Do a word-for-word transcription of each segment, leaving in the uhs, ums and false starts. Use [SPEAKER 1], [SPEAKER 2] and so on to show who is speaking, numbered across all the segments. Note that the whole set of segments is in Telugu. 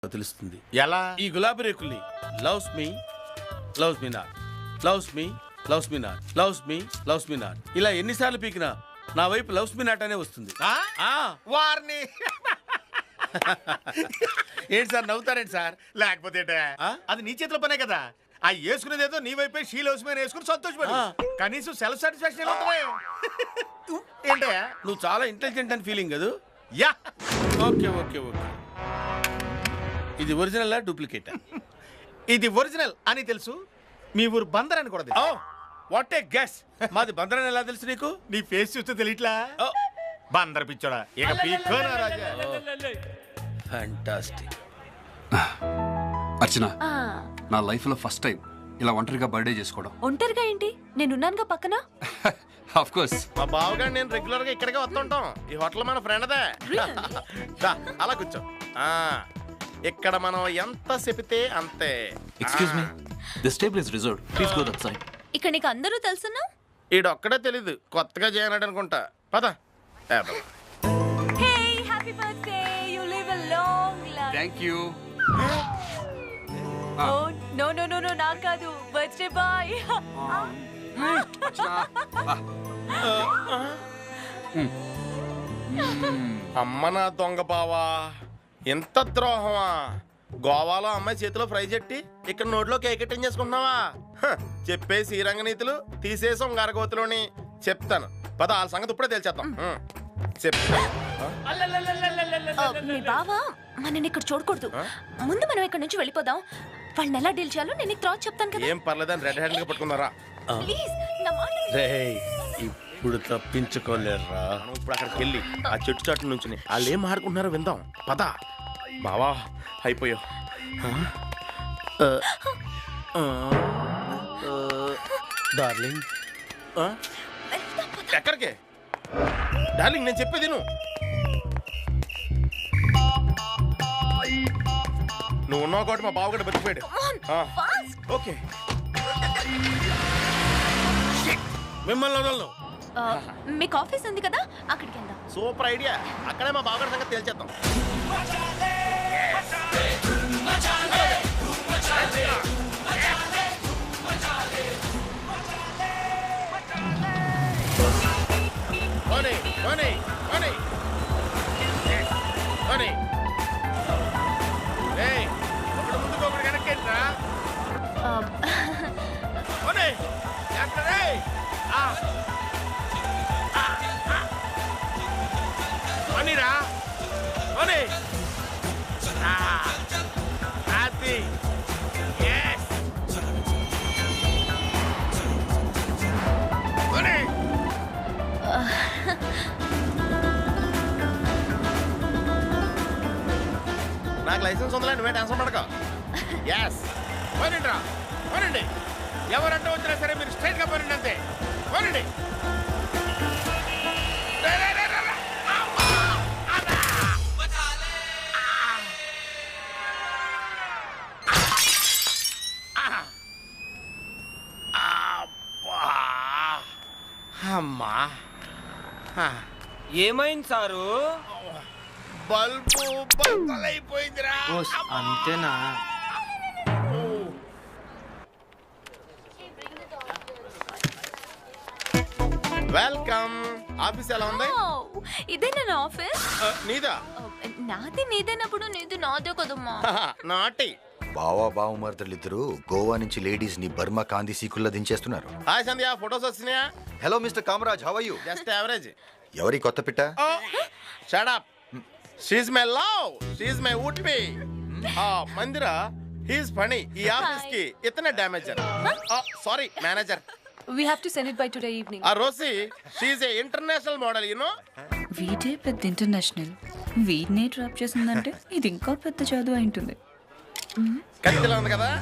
[SPEAKER 1] తెలుస్తుంది.
[SPEAKER 2] ఎలా?
[SPEAKER 1] ఈ గులాబీ రేకుల్ని loves me loves me not, loves me loves me not, loves me loves me not ఇలా ఎన్నిసార్లు పీకినా నా వైపు లవ్స్ మీ నాట్ అనే వస్తుంది.
[SPEAKER 2] వారిని
[SPEAKER 1] ఏంటి సార్ నవ్వుతారేంటి సార్?
[SPEAKER 2] లేకపోతే అది నీ చేతిలో పనే కదా. ఆ వేసుకునేది ఏదో నీ వైపే షీ లవ్స్ మీ వేసుకుని సంతోషపడు. కనీసం సెల్ఫ్ సాటిస్ఫాక్షన్ ఏంటయ్యా?
[SPEAKER 1] నువ్వు చాలా ఇంటెలిజెంట్ అని ఫీలింగ్ కదా.
[SPEAKER 2] యా
[SPEAKER 1] ఓకే ఓకే ఓకే ఇది ఒరిజినల్ డూప్లికేట్?
[SPEAKER 2] ఇది ఒరిజినల్ అని తెలుసు. మీ ఊరు బందర్ అని కూడా తెలుసు.
[SPEAKER 1] What a guess. మాది బందర్ అని ఎలా తెలుసు నీకు?
[SPEAKER 2] నీ ఫేస్ చూస్తే తెలియట్లా? బందర్ పిచ్చోడా ఇక పీక్కోనా రాజా.
[SPEAKER 1] ఫ్యాంటాస్టిక్.
[SPEAKER 3] అర్చన, నా లైఫ్ లో ఫస్ట్ టైం ఇలా ఒంటరిగా బర్త్డే చేసుకోవడం.
[SPEAKER 4] ఒంటరిగా ఏంటి? నేనున్నానుగా పక్కన.
[SPEAKER 3] Of course.
[SPEAKER 2] మా బావగారు నేను రెగ్యులర్ గా ఇక్కడికే వస్తుంటాం. ఈ హోటల్ మన ఫ్రెండ్దే. అలా కూర్చో. ఇక్కడ మనం ఎంత చెపితే అంతే.
[SPEAKER 5] Excuse me, this table is reserved. Please go that side.
[SPEAKER 4] ఇక్కడ నీకు అందరూ తెలుసున్నా?
[SPEAKER 2] ఈడొక్కడే తెలీదు, కొత్తగా చేయనాడు అనుకుంటా. పద.
[SPEAKER 4] Hey happy birthday, you live a long life.
[SPEAKER 3] Thank you.
[SPEAKER 4] Oh no no no no నా కాదు, బర్త్డే బాయ్.
[SPEAKER 2] అమ్మ నా దొంగ బావా, ఎంత ద్రోహమా! గోవాలో అమ్మాయి చేతిలో ఫ్రై చెట్టి ఇక్కడ నోట్లో కేకెట్టింగ్ చేసుకుంటున్నావా? చెప్పే శ్రీరంగ నీతులు తీసేసాం గరగోతులోని. చెప్తాను పద, వాళ్ళ సంగతి ఇప్పుడే తెలిచేద్దాం. చెప్తాను.
[SPEAKER 4] మీ బావ మనని ఇక్కడ చూడకూడదు. ముందు మనం ఇక్కడ నుంచి వెళ్ళిపోదాం. వాళ్ళని ఎలా డీల్ చేయాలో నేను నీకు తర్వాత చెప్తాను కదా.
[SPEAKER 2] ఏం పర్లేదని రెడ్ హ్యాండ్ గా పట్టుకున్నారా?
[SPEAKER 4] ప్లీజ్ నా మాట
[SPEAKER 1] రేయ్, ఇప్పుడు తప్పించుకోలేరా.
[SPEAKER 2] ఇప్పుడు అక్కడికి వెళ్ళి ఆ చెట్టు చాటు నుంచి వాళ్ళు ఏం ఆడుకుంటున్నారో విందాం. పద బావా, అయిపోయావు.
[SPEAKER 1] డార్లింగ్.
[SPEAKER 2] ఎక్కడికి డార్లింగ్? నేను చెప్పేది నువ్వు నువ్వు ఉన్నావు కాబట్టి మా బావగడ బతికిపోయాడు. ఓకే,
[SPEAKER 1] మిమ్మల్ని వదలను.
[SPEAKER 4] మీకు ఆఫీస్ ఉంది కదా, అక్కడికి వెళ్దాం.
[SPEAKER 2] Super idea. అక్కడే మా బావగడ సంగతి తేల్చేద్దాం. పోనీ పోనీ పోనీ పోనీ. ఏయ్, ఒకటి ముందుకు ఒకటి వెనక్కేంట్రా? పోనీ ఎక్కడ? పోనీరా పోనీ. హ్యాపీ. ఎస్ పోనీ. నాకు లైసెన్స్ ఉందిలే, నువ్వే టెన్షన్ పడక. ఎస్ పోనండి రా, పోనండి. ఎవరంటే వచ్చినా సరే మీరు స్ట్రైట్ గా పోనండి, అంతే. పోనండి. అమ్మా,
[SPEAKER 6] ఏమైంది సారు?
[SPEAKER 2] బల్బు బద్దలైపోయిందిరా.
[SPEAKER 6] అంతేనా?
[SPEAKER 2] వెల్కమ్. ఆఫీస్ ఎలా ఉంది?
[SPEAKER 4] ఇదే నా ఆఫీస్.
[SPEAKER 2] నీదా?
[SPEAKER 4] నాది నీదేనప్పుడు నీది నాదే కదమ్మా.
[SPEAKER 2] నాటి
[SPEAKER 7] బావా బావమర్దలిద్దరూ గోవా నుంచి లేడీస్ ని బర్మా కాంతి సీకుల్లా దించేస్తున్నారు.
[SPEAKER 2] హాయ్ సంధ్య, ఫొటోస్ వచ్చినాయా?
[SPEAKER 7] Hello mister Kamaraj, how are you?
[SPEAKER 2] Just average.
[SPEAKER 7] ఎవరి కొత్త పిట్ట?
[SPEAKER 2] Shut up. She is my love, she is my would be. ఆ మందిరా, హి ఇస్ ఫనీ. ఈ ఆఫీస్ కి ఇతనే damager. Sorry manager.
[SPEAKER 8] We have to send it by today evening.
[SPEAKER 2] ఆ Rosie, she is a international model, you know.
[SPEAKER 8] వీడే పెద్ద ఇంటర్నేషనల్. వీడినే డ్రాప్ చేసిందంటే ఇది ఇంకా పెద్ద చదువు అయి ఉంటుంది.
[SPEAKER 2] కత్తిలా ఉంది కదా.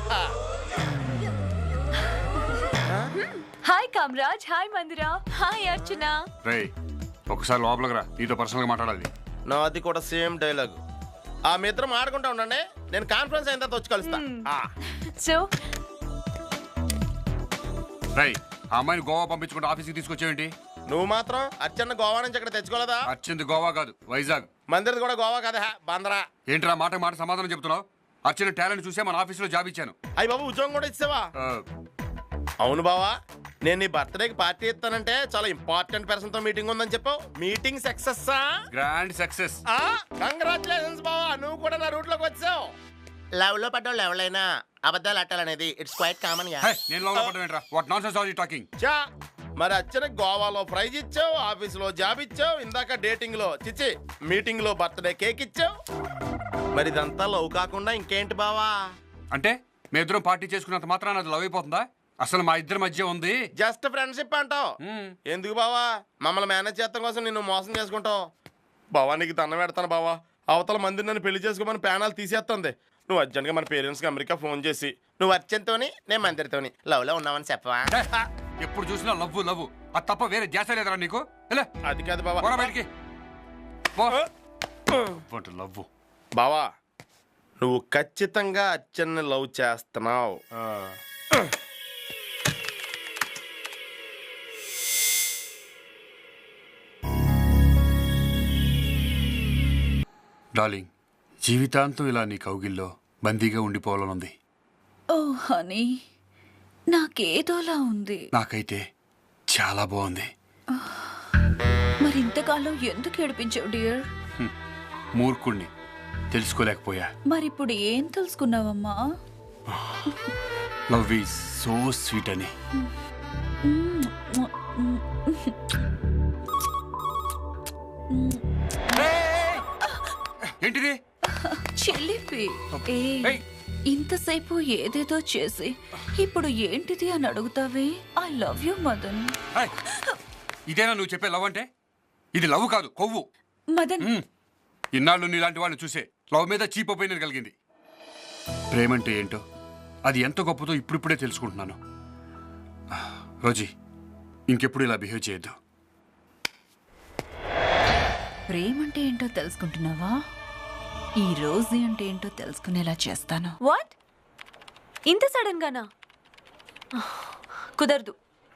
[SPEAKER 4] Hi Kamaraj, hi Mandira, hi Archana.
[SPEAKER 3] రేయ్, ఒకసారి లోపలికి రా, నీతో పర్సనల్ గా మాట్లాడాలి.
[SPEAKER 2] నాది కూడా సేమ్ డైలాగ్. ఆ మీ ఇద్దరం ఆడుకుంటా ఉండండి, నేను కాన్ఫరెన్స్ అయిన తర్వాత వచ్చి కలుస్తా.
[SPEAKER 4] సో
[SPEAKER 3] రేయ్, ఆ అమ్మాయిని గోవా పంపించుకుంటే ఆఫీస్కి తీసుకొచ్చేవేంటి?
[SPEAKER 2] నువ్వు మాత్రం అచ్చన్న గోవా నుంచి ఇక్కడ తెచ్చుకోలేదా?
[SPEAKER 3] అర్చింది గోవా కాదు, వైజాగ్.
[SPEAKER 2] మందిరది కూడా గోవా కదా, బందరా.
[SPEAKER 3] ఏంట్రా మాట మాట సమాధానం చెప్తున్నావు? అర్చన టాలెంట్ చూసే మన ఆఫీసులో జాబ్ ఇచ్చాను.
[SPEAKER 2] అయ్యి బాబు ఉద్యోగం కూడా ఇచ్చావా?
[SPEAKER 3] ఆ,
[SPEAKER 2] అవును బావా, నేను నీ బర్త్డేకి పార్టీ ఇస్తానంటే చాలా ఇంపార్టెంట్ పర్సన్ తో మీటింగ్ ఉందని చెప్పావు. Meeting success?
[SPEAKER 3] Grand success.
[SPEAKER 2] Congratulations బావా, నువ్వు కూడా నా రూట్ లోకి వచ్చావు. లవ్ లో పడ్డావు ఎవరైనా అబద్ధాలు అట్టాలనేది ఇట్స్ క్వైట్ కామన్ గా.
[SPEAKER 3] హే, నేను లోపల పడ్డం ఏంట్రా? What nonsense are you talking?
[SPEAKER 2] చా మరి అచ్చన గోవాలో ప్రైజ్ ఇచ్చావు, ఆఫీసులో జాబ్ ఇచ్చావు, ఇందాక డేటింగ్ లో చిచ్చి మీటింగ్ లో బర్త్డే కేక్ ఇచ్చావు. మరి ఇదంతా లవ్ కాకుండా ఇంకేంటి బావా?
[SPEAKER 3] అంటే మీ ఇద్దరం పార్టీ చేసుకున్నంత మాత్రాన అది లవ్ అయిపోతుందా? అసలు మా ఇద్దరి మధ్య ఉంది
[SPEAKER 2] జస్ట్ ఫ్రెండ్షిప్ అంటావు. ఎందుకు బావా మమ్మల్ని మేనేజ్ చేస్తాం కోసం నిన్ను మోసం చేసుకుంటావు? బావా నీకు దండం పెడతాను బావా, అవతల మంది నన్ను పెళ్లి చేసుకోమని ప్యానాలు తీసేస్తుంది. నువ్వు అర్జెంట్గా మన పేరెంట్స్కి అమెరికా ఫోన్ చేసి నువ్వు అర్జెంట్తోని నేను మందిరితోని లవ్లో ఉన్నావని చెప్పవా?
[SPEAKER 3] ఎప్పుడు చూసినా లవ్ లవ్ అది తప్ప వేరే ధ్యాస లేదరా నీకు?
[SPEAKER 2] అది కాదు బావా.
[SPEAKER 3] పోరా బయటికి. లవ్
[SPEAKER 2] బావా నువ్వు ఖచ్చితంగా అచ్చన్ని లవ్ చేస్తున్నావు.
[SPEAKER 3] డార్లింగ్, జీవితాంతం ఇలా నీ కౌగిల్లో బందీగా ఉండిపోవాలనుంది.
[SPEAKER 8] ఓ హనీ, నాకేదోలా ఉంది.
[SPEAKER 3] నాకైతే చాలా బాగుంది.
[SPEAKER 8] మరి ఇంతకాలం ఎందుకు ఏడిపించావు డియర్?
[SPEAKER 3] మూర్ఖుణ్ణి, తెలుసుకోలేకపోయా.
[SPEAKER 8] మరిప్పుడు ఏం తెలుసుకున్నావమ్మా?
[SPEAKER 3] లవ్ ఈజ్ సో స్వీట్ అని. ఏంటిది?
[SPEAKER 8] చెల్లిపి. ఏ
[SPEAKER 3] ఏయ్.
[SPEAKER 8] ఇంతసేపు ఏదేదో చేసి ఇప్పుడు ఏంటిది అని అడుగుతావే? I love you Madan.
[SPEAKER 3] ఏయ్, ఇదేనా నువ్వు చెప్పే లవ్ అంటే? ఇది లవ్ కాదు, కొవ్వు.
[SPEAKER 8] మదన్,
[SPEAKER 3] మ్మ్. ఇన్నాళ్ళు నీలాంటి వాళ్ళని చూసే లవ్ మీద చీప్ ఒపీనియన్ కలిగింది. ప్రేమంటే ఏంటో, అది ఎంత గొప్పదో ఇప్పుడిప్పుడే తెలుసుకుంటున్నాను. రోజీ, ఇంకెప్పుడు ఇలా బిహేవ్ చేయొద్దు.
[SPEAKER 8] ప్రేమంటే ఏంటో తెలుసుకుంటున్నావా? ఈ రోజు అంటే ఏంటో తెలుసుకునేలా చేస్తాను.
[SPEAKER 4] వాట్? ఇంత సడన్ గానా? కుదరదు.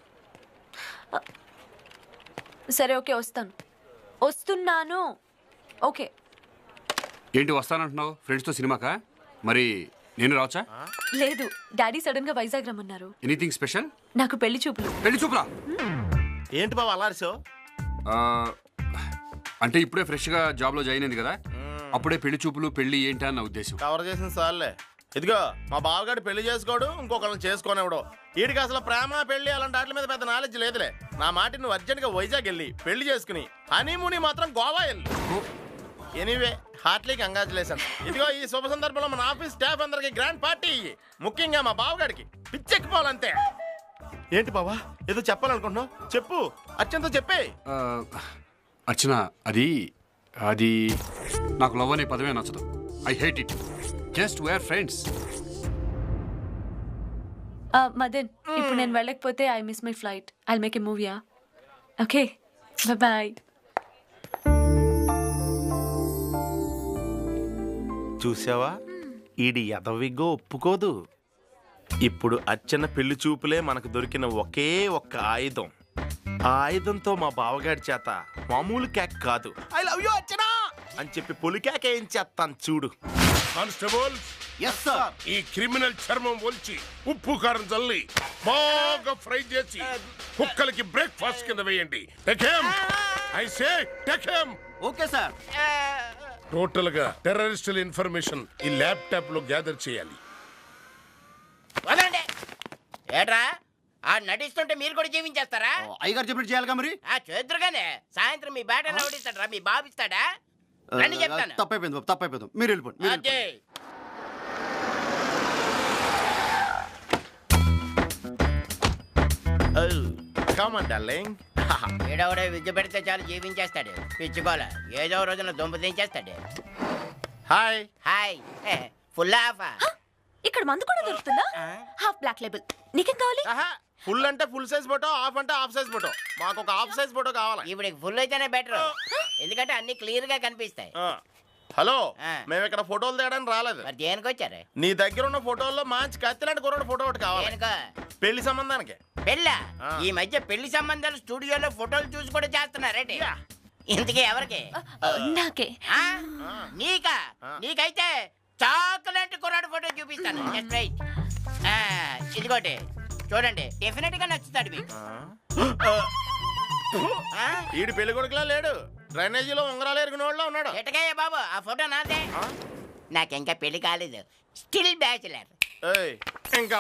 [SPEAKER 4] సరే ఓకే, వస్తాను. వస్తున్నాను. ఓకే.
[SPEAKER 3] ఏంటి వస్తానంటున్నావు? ఫ్రెండ్స్తో సినిమాకా? మరి నేను రావచ్చా?
[SPEAKER 4] లేదు, డాడీ సడన్ గా వైజాగ్ రమ్మన్నారు.
[SPEAKER 3] Anything special?
[SPEAKER 4] నాకు పెళ్లి చూపులు.
[SPEAKER 3] పెళ్లి చూపులా?
[SPEAKER 2] ఏంటి బావా అలా అరిచావు?
[SPEAKER 3] అంటే ఇప్పుడే ఫ్రెష్గా జాబ్లో జాయిన్ అయింది కదా, అప్పుడే పెళ్లి చూపులు పెళ్లి ఏంటా అన్న ఉద్దేశం.
[SPEAKER 2] కవర్ చేసిన సార్లే. ఇదిగో మా బావగాడు పెళ్లి చేసుకోడు, ఇంకొకరిని చేసుకోనివ్వడు. వీడికి అసలు ప్రేమ పెళ్లి అలాంటి వాటి మీద పెద్ద నాలెడ్జ్ లేదులే. నా మాట నువ్వు అర్జెంట్ గా వైజాగ్ వెళ్ళి పెళ్లి చేసుకుని హనీమూని మాత్రం గోవా వెళ్ళి. Anyway heartly congratulation. ఇదిగో ఈ శుభ సందర్భంలో మన ఆఫీస్ స్టాఫ్ అందరికి గ్రాండ్ పార్టీ ఇయ్యి, ముఖ్యంగా మా బావగాడికి పిచ్చెక్కిపోవాలంతే. ఏంటి బావా ఏదో చెప్పాలనుకుంటున్నావు? చెప్పు, అత్యంత చెప్పే.
[SPEAKER 3] అర్చన, అది అది నాకు లవ్ అనే పదమే నచ్చదు. I hate it. Just we're friends.
[SPEAKER 4] Madan, ఇప్పుడు నేను వెళ్ళకపోతే I miss my flight. I make a మూవీయా? Okay, bye.
[SPEAKER 2] చూసావా, ఈడి ఎదవిగో ఒప్పుకోదు. ఇప్పుడు అచ్చన్న పెళ్లి చూపులే మనకు దొరికిన ఒకే ఒక్క ఆయుధం. ఆ ఆయుధంతో మా బావగాడి చేత మామూలు కేక్ కాదు, ఐ లవ్ యూ అచ్చనా అని చెప్పి పొలి కేక్ ఏం చేస్తాను చూడు.
[SPEAKER 9] కానిస్టేబుల్, ఈ క్రిమినల్ చర్మం ఒలిచి ఉప్పు కారం చల్లి బాగా ఫ్రై చేసి కుక్కలకి బ్రేక్ఫాస్ట్ కింద వేయండి. Take him, I say take him.
[SPEAKER 6] Okay sir.
[SPEAKER 9] Total గా టెర్రరిస్టుల ఇన్ఫర్మేషన్ ఈ ల్యాప్టాప్ లో గ్యాదర్ చేయాలి.
[SPEAKER 10] వదండి. ఏట్రా ఆ నటిస్తుంటే మీరు కూడా జీవించేస్తారా?
[SPEAKER 6] అయ్యగారు చెప్పినట్టు చేయాలిగా మరి.
[SPEAKER 10] ఆ చేద్దరుగానే సాయంత్రం మీ బ్యాట్ ఎవడిస్తాడరా? మీ బాబు ఇస్తాడా? రండి చెప్తాను.
[SPEAKER 6] తప్పైపోయింది బాబు, తప్పైపోయింది. మీరు వెళ్ళిపోండి, మీరు
[SPEAKER 10] అదే
[SPEAKER 2] కమ్ ఆన్ డార్లింగ్.
[SPEAKER 10] ఏడవడే విద్య పెడితే చాలు జీవించేస్తాడు. పిచ్చుకోల ఏదో రోజున దుంప దించేస్తాడు.
[SPEAKER 2] Hi
[SPEAKER 10] hi. Full half.
[SPEAKER 4] ఇక్కడ మందు కూడా దొరుకుతుందా? Half black label. నీకేం కావాలి?
[SPEAKER 2] ఫుల్ అంటే ఫుల్ సైజ్ ఫోటో, హాఫ్ అంటే హాఫ్ సైజ్ ఫోటో. మాకు ఒక హాఫ్ సైజ్ ఫోటో కావాలి.
[SPEAKER 10] ఇప్పుడు ఫుల్ అయితేనే బెటర్, ఎందుకంటే అన్ని క్లియర్ గా కనిపిస్తాయి.
[SPEAKER 2] హలో,
[SPEAKER 10] ఆ.
[SPEAKER 2] మేము ఇక్కడ ఫోటోలు తేయడానికి రాలేదు.
[SPEAKER 10] మరి దేనికి వచ్చారు?
[SPEAKER 2] నీ దగ్గర ఉన్న ఫోటోల్లో మంచి కత్తిలాంటి కుర్రాడు ఫోటో ఒకటి కావాలి.
[SPEAKER 10] దేనికో?
[SPEAKER 2] పెళ్లి సంబంధానికి.
[SPEAKER 10] పెళ్ళ ఈ మధ్య పెళ్లి సంబంధాలు స్టూడియోలో ఫోటోలు చూసి కూడా చేస్తున్నారేంటి ఇంతకీ ఎవరికి
[SPEAKER 4] నాకే
[SPEAKER 10] ఆ? నీకా నీకైతే చాక్లెట్ కుర్రాడు ఫోటో చూపిస్తాను జస్ట్ రైట్ ఇదిగోటి చూడండి డెఫినెట్ గా నచ్చుతాడు మీకు ఆ?
[SPEAKER 2] ఈడు పెళ్లి కొడుకులా లేడు డ్రైనేజీలో ఉంగరాలు ఎరిగిన వాళ్ళ ఉన్నాడు
[SPEAKER 10] ఎటకయ్య బాబు ఆ ఫోటో నాదే నాకింకా పెళ్లి కాలేదు స్టిల్ బ్యాచులర్
[SPEAKER 2] ఏయ్, ఇంకా